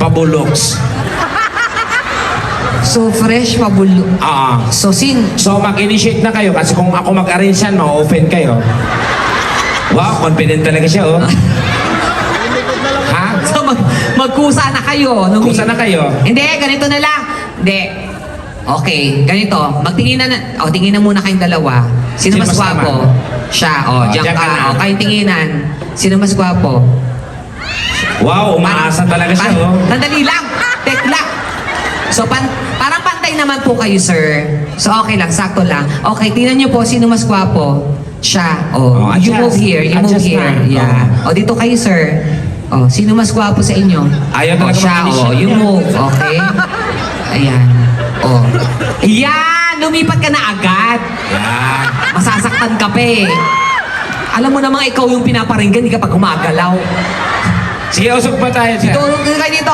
mabuloks. So, fresh, mabulo. So, So, mag-initiate na kayo kasi kung ako mag-arrange yan, ma-open kayo. Wow, confident talaga siya, oh. Ha? So, magkusa na kayo. Kusa na kayo. Hindi, ganito na lang. Hindi. Okay, ganito. Magtingin na, tingin na muna kayong dalawa. Sino mas kasama? gwapo? Siya, diyan diyan ka. ka na. Kayong tinginan. Sino mas gwapo? Wow, umaasa talaga siya, oh. Sandali lang. Tekla. So, parang pantay naman po kayo, sir. So, okay lang, sakto lang. Okay, tingnan niyo po, sino mas gwapo? Siya. You adjust. move here, you move Adjust here. na. Yeah. Dito kayo, sir. Sino mas gwapo sa inyo? Ayaw talaga siya, mag-initiate you yan. move, okay? Ayan. Yan! Lumipat ka na agad. Yan. Masasaktan ka pa eh. Alam mo namang ikaw yung pinaparinggan, hindi ka pa gumagalaw. Sige, usok pa tayo, sir. Tulog ka dito.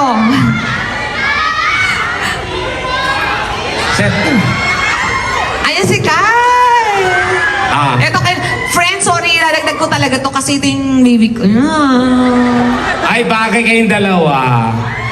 Sir. Ayan si Kai. Eto kay friend, sorry, lalagdag ko talaga to kasi ito yung baby ko. Ay, bagay kayong dalawa.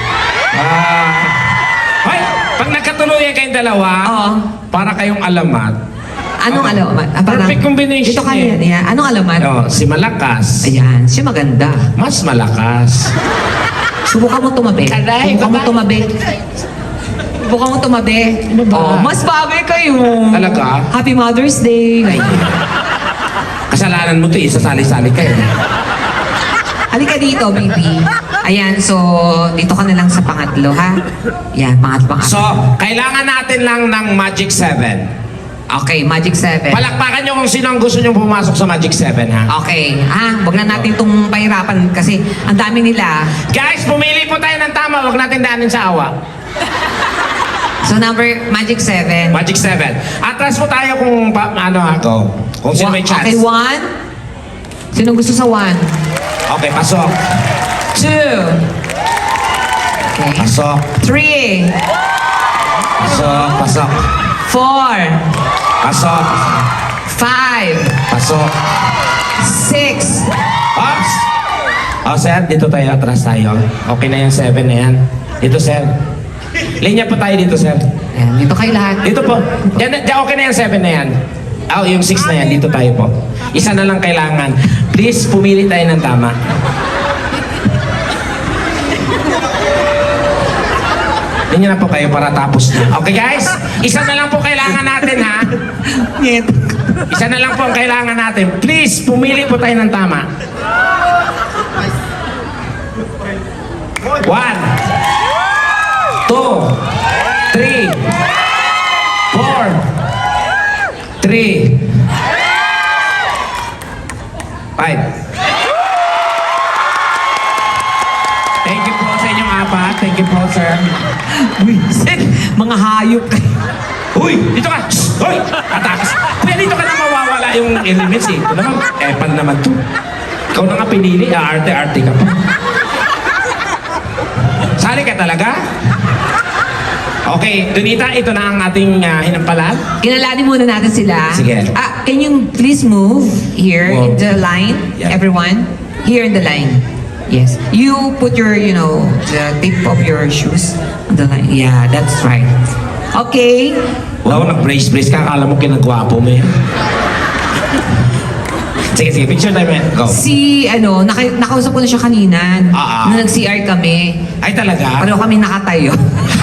Ay, pag nagkatuluyan kayong dalawa, para kayong alamat. Anong alamat? Perfect combination Ito kayo. eh. Yan. Anong alamat? Si Malakas. Ayan, siya maganda. Mas malakas. Subukan mo tumabi. Aray, Subukan mo baba. tumabi. Subukan mo tumabi. Ano ba? Mas bagay kayo. Talaga? Happy Mother's Day. Kasalanan mo to, isasali-sali kayo. Halika dito, baby. Ayan, so, dito ka na lang sa pangatlo, ha? Yan, pangatlo. So, kailangan natin lang ng Magic 7. Okay, Magic 7. Palakpakan nyo kung sino ang gusto nyo pumasok sa Magic 7, ha? Okay, wag na natin itong pahirapan kasi ang dami nila. Guys, pumili po tayo ng tama. Huwag natin daanin sa awa. So, Magic 7. Magic 7. Atras po tayo kung ako. Kung sino may chance. Okay, 1. Sino gusto sa 1? Okay, pasok. 2. Okay. Pasok. 3. Pasok. Pasok. 4. Pasok. 5. Pasok. 6. Ops! Sir, dito tayo. Atras tayo. Okay na yung 7 na yan. Dito, sir. Linya po tayo dito, sir. Ayan, dito kayo lahat. Dito po. Diyan, okay na yung 7 na yan. Yung 6 na yan. Dito tayo po. Isa na lang kailangan. Please, pumili tayo ng tama. Linya na po kayo para tapos na. Okay, guys? Isa na lang po kailangan natin, ha? Isa na lang po ang kailangan natin. Please, pumili po tayo ng tama. 1, 2, 3, 4, 3, 5. Thank you po sa inyong apat. Thank you po, sir. Wisit, mga hayop kayo. Uy! Dito ka! Shh! Uy! Atakas! Kuya, dito ka na mawawala yung elements eh. Ito naman, epan naman to. Ikaw na nga pinili, arte-arte ka pa. Sali ka talaga? Okay, Donita, ito na ang ating hinampalan. Kinalanin muna natin sila. Sige. Can you please move here in Move. the line, Yeah. everyone? Here in the line. Yes. You put your, the tip of your shoes on the line. Yeah, that's right. Okay. Wow, nag-brace-brace ka. Akala mo kinagwapo mo yan. Sige, picture time yan. Go. Nakausap ko na siya kanina. Nung nag-CR kami. Ay, talaga? Pareho kami nakatayo.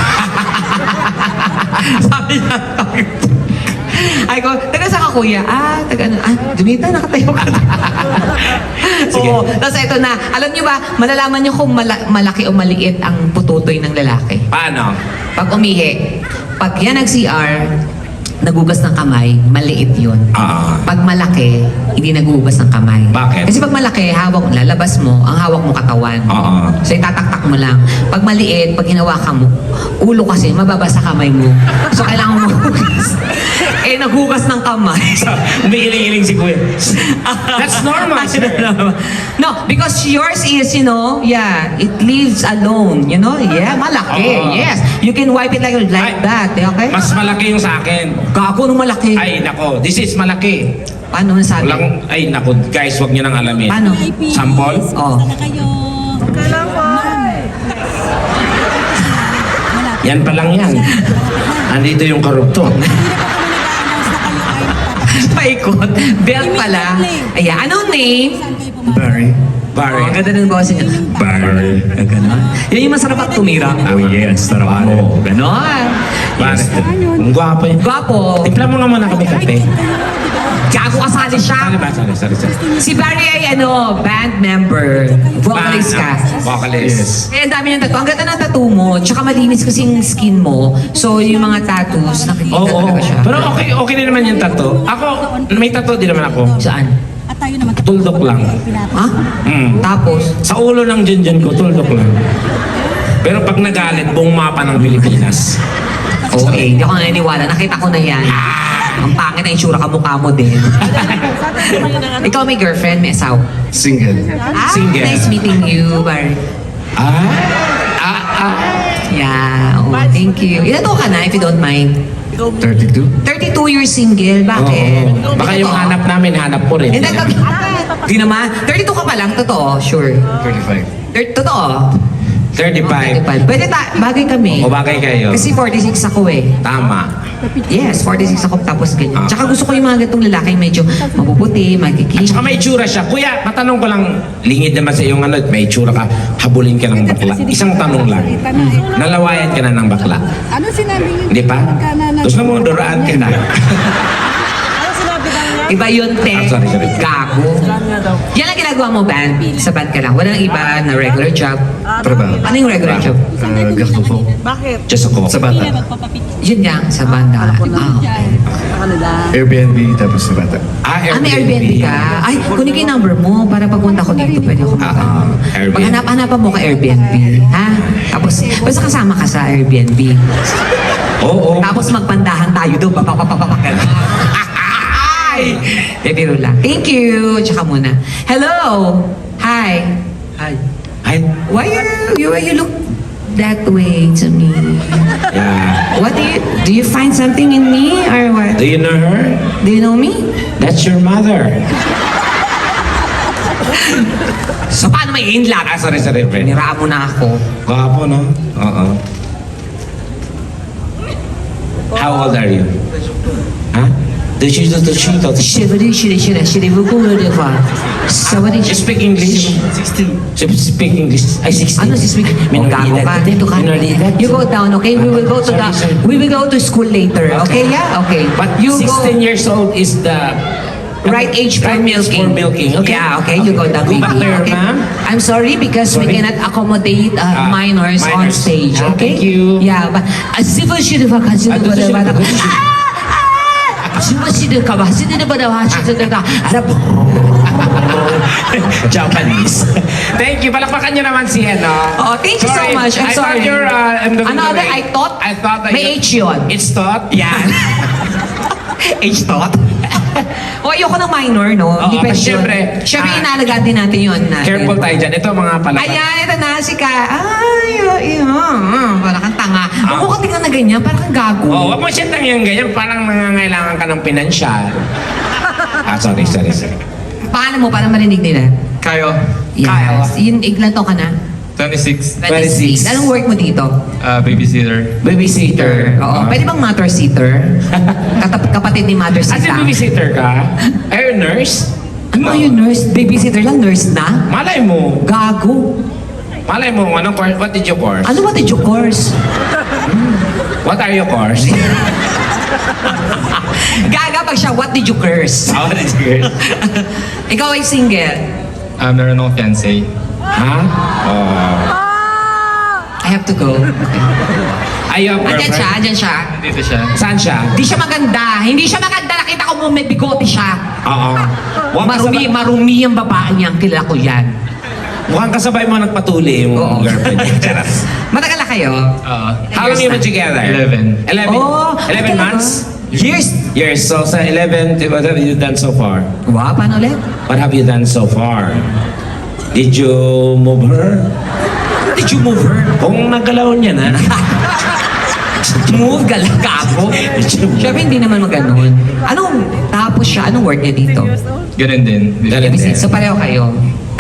Sabi niya, ay ko, taga saan ka kuya? Dumita, nakatayo ka. Sige. Oo. Tapos ito na, alam niyo ba, malalaman niyo kung malaki o maliit ang pututoy ng lalaki. Paano? Pag umihi, pag yan nag-CR, nagugas ng kamay, maliit yun. Pag malaki, hindi nagugas ng kamay. Bakit? Kasi pag malaki, lalabas mo, ang hawak mo katawan. So itataktak mo lang. Pag maliit, pag hinawakan mo, ulo kasi, mababasa kamay mo. So kailangan mo hugas. Naghugas ng kamay. Umiiling-iling si Kuya. That's normal, sir. No, because yours is, it leaves alone. Yeah, malaki. Yes. You can wipe it like that. Okay? Mas malaki yung sa akin. Gago nung malaki. Ay, nako. This is malaki. Paano nasabi? Ay, nako. Guys, wag niyo nang alamin. Paano? Sample? Oh. Kayo. Kailan po? Yan pa lang yan. Andito yung korupto. Paikot. Belt pala. Ayan. Anong name? Barry. Oh, ang ganda ng boses niya. Barry. Ganon. Yan yung masarap at tumira. Oh yes, sarap mo. Ganon. Pare, ang gwapo yun. Gwapo. Timpla mo nga muna kami kape. Gago kasali siya. Sorry. Si Barry ay band member. Vocalist ka. Vocalist. Eh, ang dami ng tattoo. Ang ganda ng tattoo mo. Tsaka malinis kasi yung skin mo. So, yung mga tattoos, nakikita Oo. talaga siya. Pero okay din naman yung tattoo. Ako, may tattoo din naman ako. Saan? At tayo naman. Tuldok lang. Ha? Tapos? Sa ulo ng Junjun ko, tuldok lang. Pero pag nagalit, buong mapa ng Pilipinas. Okay, hindi ako naniniwala. Nakita ko na yan. Ang pangit na itsura kamukha mo din. Ikaw may girlfriend, may asawa. Single. Single. Nice meeting you, Barry. Yeah, thank you. Ilan taon ka na, if you don't mind? 32. 32 years single, bakit? Oo. Baka yung Totoo? hanap namin, hanap ko rin. Hindi, di naman. 32 ka pa lang, totoo, sure. 35. Totoo. 35. Pwede bagay kami. O bagay kayo. Kasi 46 ako eh. Tama. Yes, 46 ako tapos ganyan. Ah. Tsaka gusto ko yung mga gatong lalaking medyo mapuputi, magkikita. Tsaka may itsura siya. Kuya, matanong ko lang, lingid naman sa iyong may itsura ka, habulin ka ng bakla. Isang tanong lang. Nalawayan ka na ng bakla. Ano sinabi niyo? Hindi pa? Gusto mo, duraan ka na. Ano sinabi daw niya? Iba yun, te. Sorry. Gago. Yan ang ginagawa mo, band. Sa band ka lang. Walang iba na regular job. Trabaho. Ano yung regular job? Gasto po. Bakit? Just ako. Sa bata. Yun nga, sa banda. Airbnb tapos sa bata. May Airbnb ka? Ay, kunin ko yung number mo para pagpunta ko dito, pwede ako Airbnb. Paghanap-hanapan mo ka Airbnb, ha? Tapos, basta kasama ka sa Airbnb. Oo. Tapos magpandahan tayo doon, papapapapagal. Ay! Bibiro lang. Thank you! Tsaka muna. Hello! Hi! Hi. Ay, Why you look that way to me? yeah. What do you find something in me or what? Do you know her? Do you know me? That's your mother. So paano may inlap? Sorry, friend. Niraan mo na ako. Gwapo, no? Oo. How old are you? Huh? You speak English? 16. Speak English. Ay, 16. Ano si speak? Gago ka. Dito ka. You go down, okay? We will go to school later. Okay, yeah? Okay. But you 16 years old is the right age for right age milking. for milking. Okay. Yeah, okay. You go down, Go baby. back there, Okay. ma'am. I'm sorry because we Sorry. cannot accommodate minors on minors. stage. Okay? Thank you. Yeah, but civil should have Japanese. Thank you. Palakpakan niyo naman si ano. Oh, thank you so much. I'm I sorry. thought you're Another, I thought that may H yun. It's thought? Yan. H thought? O, ayoko ng minor, no? Oo, Hindi pwede kasi yun. syempre, Syempre, inaalagaan din natin yun. Careful tayo dyan. Ito mga palakpak. Ayan, ito na si Ka. Wala kang tanga. Huwag mo ka tingnan na ganyan, parang kang gago. Oh, wag mo siya tangyang ganyan. Parang nangangailangan ka ng pinansyal. Sorry. Paano mo para marinig nila? Kayo. Yes. Yun, ilan to ka na? 26. 26. Anong work mo dito? Babysitter. Babysitter. Oo. Pwede bang mother sitter? Kapatid ni mother As sitter. in babysitter ka? Are you nurse? Ano yung nurse? Babysitter lang, nurse na? Malay mo. Gago. Malay mo, anong course? What did you course? Ano ba yung course? What are your course? Gaga pag siya, what did you curse? What did you course? Ikaw ay single. Meron akong fiancé. Ha? Oh. I have to go. Ay, your girlfriend? Andyan siya. Dito siya. Saan siya? Hindi siya maganda. Hindi siya maganda. Nakita ko mo may bigote siya. Oo. Marumi ang babae niya. Kilala ko yan. Mukhang kasabay mo nagpatuli yung Oo. girlfriend niya. Charot. Matagal na kayo? How long you been together? 11. 11? Oh, 11 talaga? months? Years. Years. So sa 11, what have you done so far? Wow, paano ulit? What have you done so far? Did you move her? Did you move her? Kung nagalaw niya na. Move, galagapo. Siyempre hindi naman maganon. Anong, tapos siya, anong work niya dito? Ganun din. Ganun din. So pareho kayo.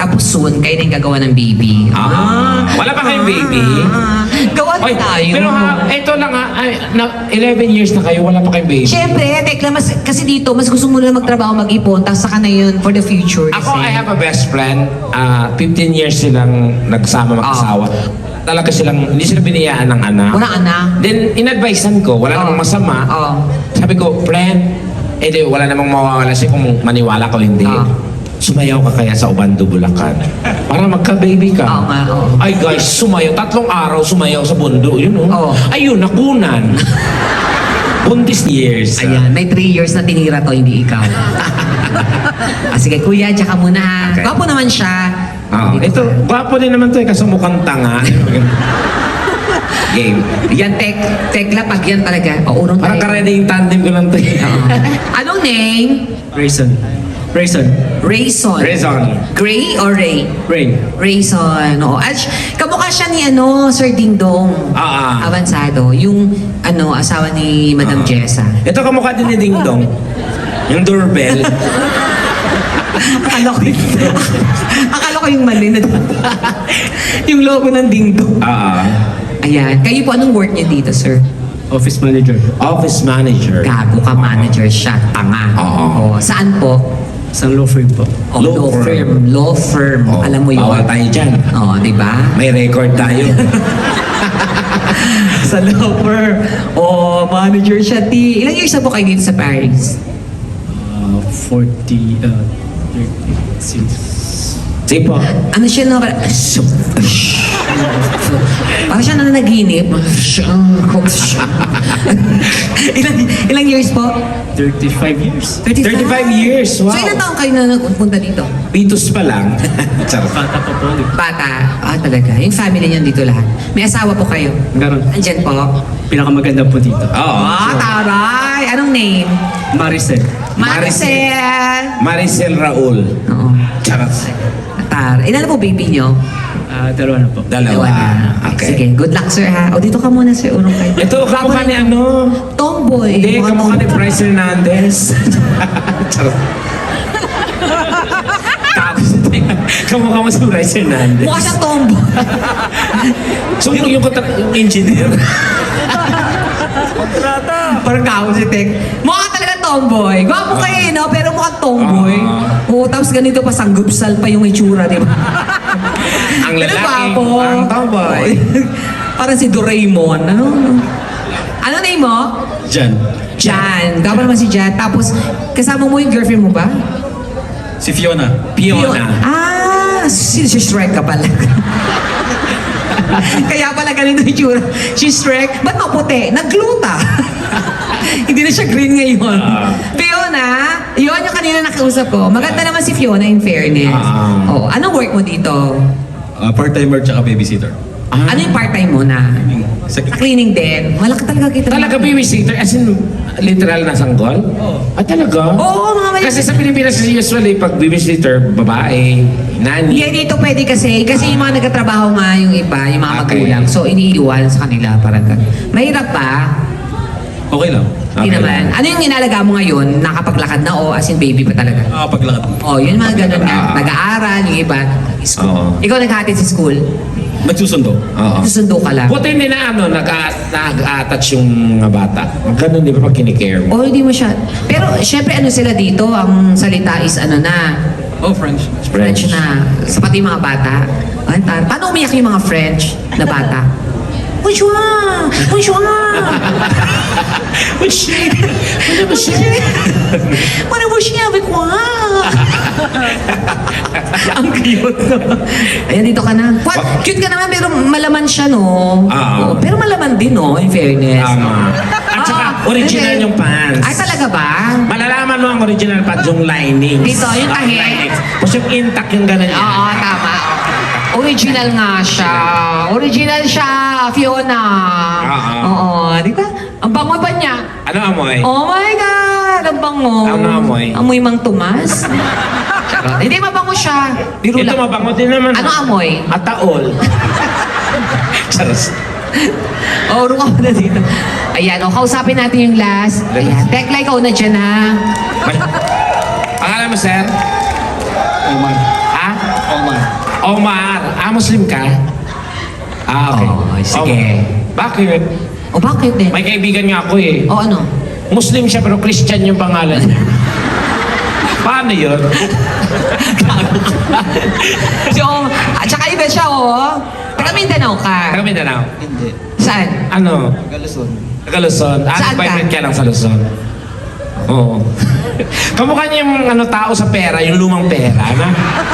Tapos soon, kayo na yung gagawa ng baby. Wala pa kayong baby? Gawa na Oy, tayo. pero ito lang na 11 years na kayo, wala pa kayong baby. Siyempre, tekla, kasi dito, mas gusto mo na magtrabaho, mag-ipon, tapos saka na yun for the future. Ako, I have a best friend. 15 years silang nagsama mag-asawa. Talaga silang, hindi sila biniyaan ng anak. Wala anak. Then, in-advisean ko, wala namang masama. Sabi ko, friend, wala namang mawawala siya kung maniwala ko hindi. Sumayaw ka kaya sa Obando, Bulacan. Para magka-baby ka. Oo nga, oo. Ay guys, sumayaw. 3 araw sumayaw sa bundo. Yun Oo. Ayun, nakunan. Buntis years. Ayan, may 3 years na tinira to, hindi ikaw. Sige, kuya, tsaka muna ha. Okay. Gwapo naman siya. Ito, gwapo din naman to kasi mukhang tanga. Game. Yan, tekla, pag yan talaga. Urong Parang tayo. karedy yung tandem ko lang to. Anong name? Rayson. Rayson. Reason. Gray or Ray? Rain. Rayson. Oo. Kamukha siya ni Sir Ding Dong. Avansado. Yung asawa ni Madam Jessa. Ito kamukha din ni Ding Dong. Yung doorbell. Akala ko yung mali na yung logo ng Ding Dong. Ayan. Kayo po, anong work niyo dito, sir? Office manager. Office manager. Gago ka, manager siya. Tanga. Oo. Saan po? Sa law firm po. Law firm. Law firm. Alam mo yun. Bawal tayo dyan. Di ba? May record tayo. Sa law firm. Manager siya, T. Ilang years na po kayo dito sa Paris? 36. Sige po. Ano siya na? Parang siya na nanaginip. Ilang years po? 35 years. 35 years. Wow. So ilang taon kayo na nagpunta dito? Pitos pa lang. Charot. Bata pa po. Bata. Talaga. Yung family niyan dito lahat. May asawa po kayo? Ganon. Andyan po? Pinakamaganda po dito. Oo. Taray! Anong name? Maricel. Maricel! Maricel Raul. Oo. Charot. Ilan na po baby niyo? Dalawa na po. Dalawa. Okay. Sige, good luck sir ha. Dito ka muna sir, unong kayo. Ito, kamukha ni Tomboy. Hindi, Mukhang kamukha ni tomboy. Bryce Hernandez. Charot. Kamukha mo si Bryce Hernandez. Mukha siyang tomboy. So, yung engineer. Parang kao si Tek. Mukha talaga tomboy. Gwapo kayo no? Pero mukhang tomboy. Tapos ganito pa, sanggupsal pa yung itsura, di ba? Ang Pero lalaki, gwapo. ang tomboy. Parang si Doraemon. Ano name mo? Jan. Jan. Gwapo naman si Jan. Tapos, kasama mo yung girlfriend mo ba? Si Fiona. Fiona. Si Shrek ka pala. Kaya pala ganito yung tsura. Si Shrek, ba't maputi? Nagluta. Hindi na siya green ngayon. Fiona, yun yung kanina nakiusap ko. Maganda naman si Fiona in fairness. Anong work mo dito? Part-timer tsaka babysitter. Ano yung part-time mo na? Cleaning din. Malaki talaga kita. Talaga babysitter? As in, literal na sanggol? Talaga? Oo, mga may... Kasi sa Pilipinas usually, pag babysitter, babae, nani. Hindi, dito pwede kasi yung mga nagtatrabaho nga yung iba, yung mga Okay. magulang. So, iniiwan sa kanila. Parang mahirap pa. Okay lang. Hindi Okay naman. Ano yung inalaga mo ngayon? Nakapaglakad na o as in baby pa talaga? Paglakad. Yun mga ganun na. Nag-aaral, yung iba, school. Oo. Ikaw naghatid sa school? Nagsusundo. Oo. Susundo ka lang? Buti hindi na nag-attach yung mga bata. Ganun di ba pag kinikare mo? Hindi mo siya. Pero syempre ano sila dito, ang salita is French. French na. Sa pati yung mga bata. Paano umiyak yung mga French na bata? Bonjour! Bonjour! Mana mo siya? Avec moi! Ang cute. Ayan, dito ka na. Cute ka naman, pero malaman siya, no? Oo, pero malaman din, no? In fairness. Tama. At saka, original yung pants. Ay, talaga ba? Malalaman mo ang original pants, yung linings. Dito, yung tahi. linings. Tapos yung intact yung gano'n yan. Oo, tama. Original nga siya. Original siya, Fiona. Oo, di ba? Ang bango ba niya? Ano amoy? Oh my God! Ang bango. Ano amoy? Amoy Mang Tomas? Charot. Hindi, mabango siya. Biro Ito lang. mabango din naman. Ano amoy? Ataol. Charos. Uro ka na dito. Ayan, kausapin natin yung last. Ayan, Tekla, ikaw na dyan, ha? Pangalan mo, sir? Omar. Ha? Omar. Omar. Muslim ka? Okay. Oh, sige. Bakit? O bakit eh? May kaibigan nga ako eh. O ano? Muslim siya pero Christian yung pangalan niya. Paano yun? So, at saka iba siya, oh. Taga Mindanao ka. Taga Mindanao. Hindi. Saan? Ano? Galuson. Taga Luzon. Saan ka? Nag-vibrate ka lang sa Luzon. Oo. Kamukha niya yung tao sa pera, yung lumang pera, na?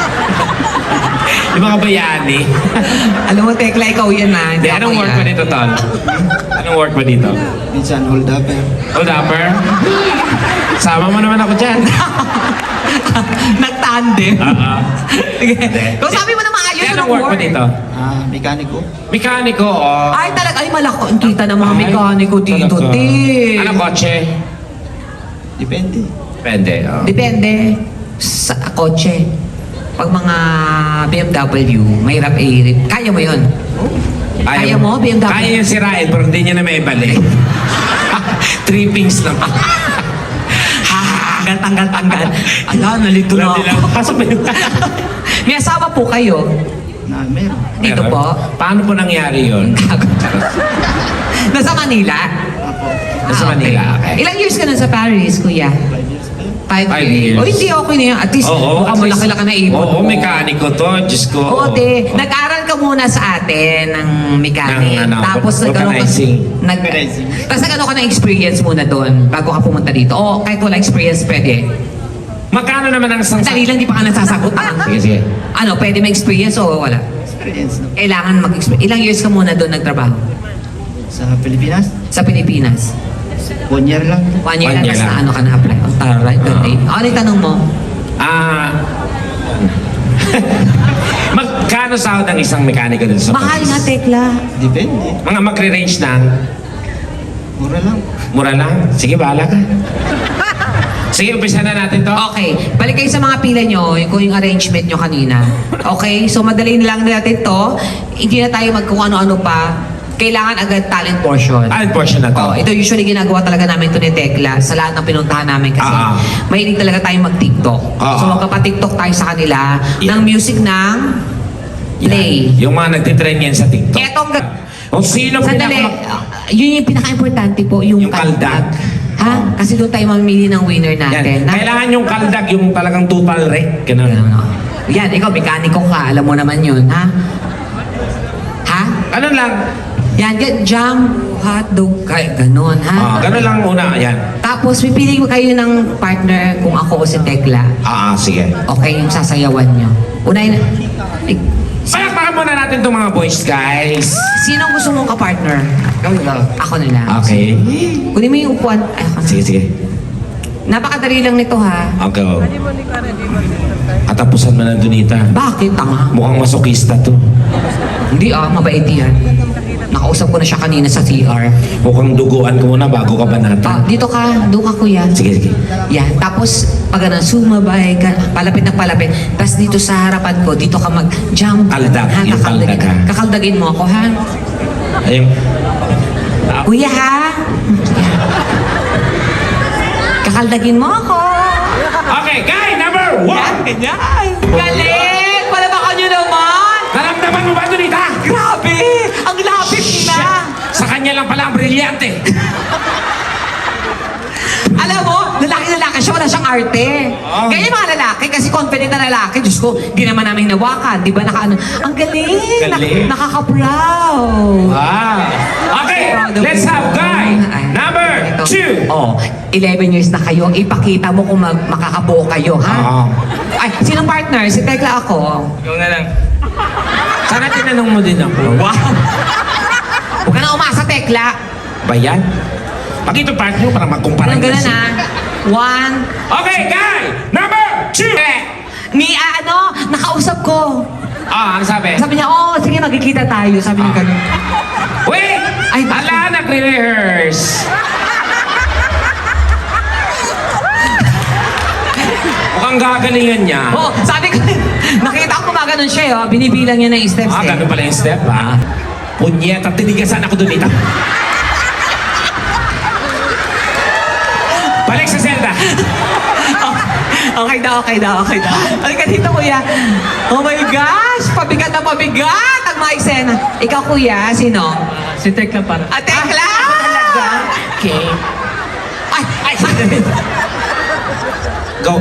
Yung mga bayani. Alam mo, Tekla, ikaw yan na. Hindi, anong work mo dito, Tol? Anong work mo dito? Minsan hold up eh. Hold upper? Sama mo naman ako dyan. Nagtandem. Sige. Hindi. Kung sabi mo na maayos, Hindi, anong anong work mo dito? Mekaniko. Mekaniko, oh. Ay, talaga, ay malaki. Ang kita ng mga mekaniko dito, Talaga. te. Anong kotse? Depende. Depende, oh. Depende sa kotse. Pag mga BMW, mahirap kaya mo yun? Kaya mo, BMW? Kaya yung sirain, pero hindi niya na may balik. Trippings lang. Tanggal. Ala, nalito na ako. Pasok ba yun? May asawa po kayo? Meron. Dito Meron? po? Paano po nangyari yun? Nasa Manila? Nasa Manila, okay. Ilang years ka na sa Paris, kuya? 5 5 years. years. O hindi, okay na yan. At least, mukhang malaki-laki na ipon Oo, mo. mekaniko to. Diyos ko. Oo, te. Nag-aral ka muna sa atin ng mechanic. Ng, ano, Tapos nagkaroon ka... vulcanizing. Vulcanizing. Tapos nagkaroon ka ng experience muna doon bago ka pumunta dito. O kahit wala experience, pwede. Magkano naman ang isang... Dali lang, di pa ka nasasagot. Sige, sige. Ano, pwede may experience o wala? Experience no? Kailangan mag-experience. Ilang years ka muna doon nagtrabaho? Sa Pilipinas. Sa Pilipinas? 1 year lang. 1 year 1 lang, year tapos lang. na ano ka na-apply. Ang taray, ganda. Ano yung tanong mo? Magkano sahod ang isang mekaniko dun sa Mahal Paris? nga, Tekla. Depende. Mga magre-range ng Mura lang. mura lang. Sige, bahala ka. Sige, umpisa na natin to. Okay, balik kayo sa mga pila nyo, kung yung arrangement nyo kanina. Okay, so madali na lang natin to. Hindi na tayo kung ano-ano pa. Kailangan agad talent portion. Talent portion na to. Oh, ito usually ginagawa talaga namin to ni Tekla sa lahat ng pinuntahan namin kasi mahilig talaga tayo mag-TikTok. So magkapa-TikTok tayo sa kanila ng music ng Play. Yung mga nagtitrend yan sa TikTok. Etong O sino sandali, yun yung pinaka-importante po, Yung kaldag. Ha? Kasi doon tayo mamili ng winner Yan. natin. Kailangan yung kaldag, yung talagang total wreck. Ganun. Yan, ikaw, mekaniko ka. Alam mo naman yun, ha? Ha? Ganun lang. Yan, jam, hotdog, kaya ganun, ha? Ganun lang una. Yan. Tapos, pipili mo kayo ng partner kung ako o si Tekla. Sige. Okay, yung sasayawan nyo. Unahin, Palakpakan muna natin itong mga boys, guys. sino gusto mong ka-partner? Ako na lang. Okay. Kunin mo yung upuan. Ay, ako na. Sige, sige. Napakadali lang nito, ha? Okay. Katapusan mo na, Donita. Bakit, tanga? Mukhang masokista to. Hindi mabait yan. Nakausap ko na siya kanina sa CR. Mukhang duguan ko muna bago ka banata. Dito ka, doon ka kuya. Sige, sige. Yan, tapos pag sumabay ka, palapit na palapit. Tapos dito sa harapan ko, dito ka mag-jump. Kaldag, Ha, yung kakaldagin- kaldag, ha? Kakaldagin mo ako, ha? Ayun. Kuya, ha? Kakaldagin mo ako. Okay, guy number 1! Ganyan. Galing! Palabakan nyo naman! Naramdaman mo ba, Donita? Grabe! Ang lapit na! Sa kanya lang pala ang brilyante. Alam mo, lalaki siya, wala siyang arte. Oh. Ganyan mga lalaki, kasi confident na lalaki. Diyos ko, di naman namin nawakan. Di ba ang galing! Galing. Nakaka-proud. Wow. Okay, let's have guy number 2. Oh, 11 years na kayo. Ipakita mo kung makakabuo kayo, ha? Oo. Ay, sinong partner? Si Tekla ako. Ikaw na lang. Sana tinanong mo din ako. Wow! Huwag ka na umasa, Tekla. Ba yan? Pag ito partner, parang magkumpara. Parang ganun, ha? 1. Okay, guy number 2. Nakausap ko. Ano sabi? Sabi niya, sige, magkikita tayo. Sabi niya ganun. Wait! Ay, Ala, nagre-rehearse. Mukhang gagalingan niya. Sabi ko, nakita ko gumaganon siya, binibilang niya ng steps, Ganun pala yung step, ha? Punyeta, tinigasan ako doon ito. Balik sa Zelda. Okay daw. Halika dito, kuya. Oh my gosh! Pabigat na pabigat ang mga eksena. Ikaw, kuya, sino? Si Tekla para. Tekla! Okay. Ay! Go.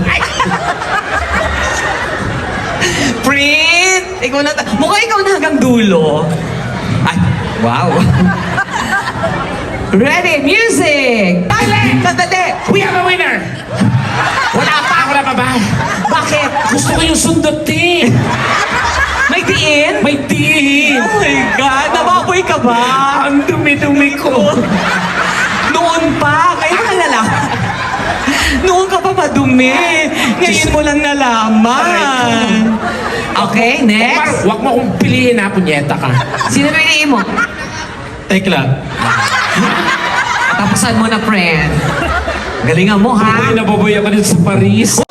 Prit! Ikaw na, mukhang ikaw na hanggang dulo. Ay, wow. Ready, music! Sandali! We have a winner! Wala pa! Ako na pa ba? Bakit? Gusto ko yung sundutin! May diin? May tiin! Oh my God! Nababoy ka ba? Ang dumi-dumi ko! Noon pa! Kaya ka lang. Noon ka pa madumi. Ngayon mo lang nalaman. Okay, next. Huwag mo akong piliin ha, punyeta ka. Sino piliin mo? Tekla. Tapusan mo na, friend. Galingan mo, ha? Ay, nababoy ako dito sa Paris.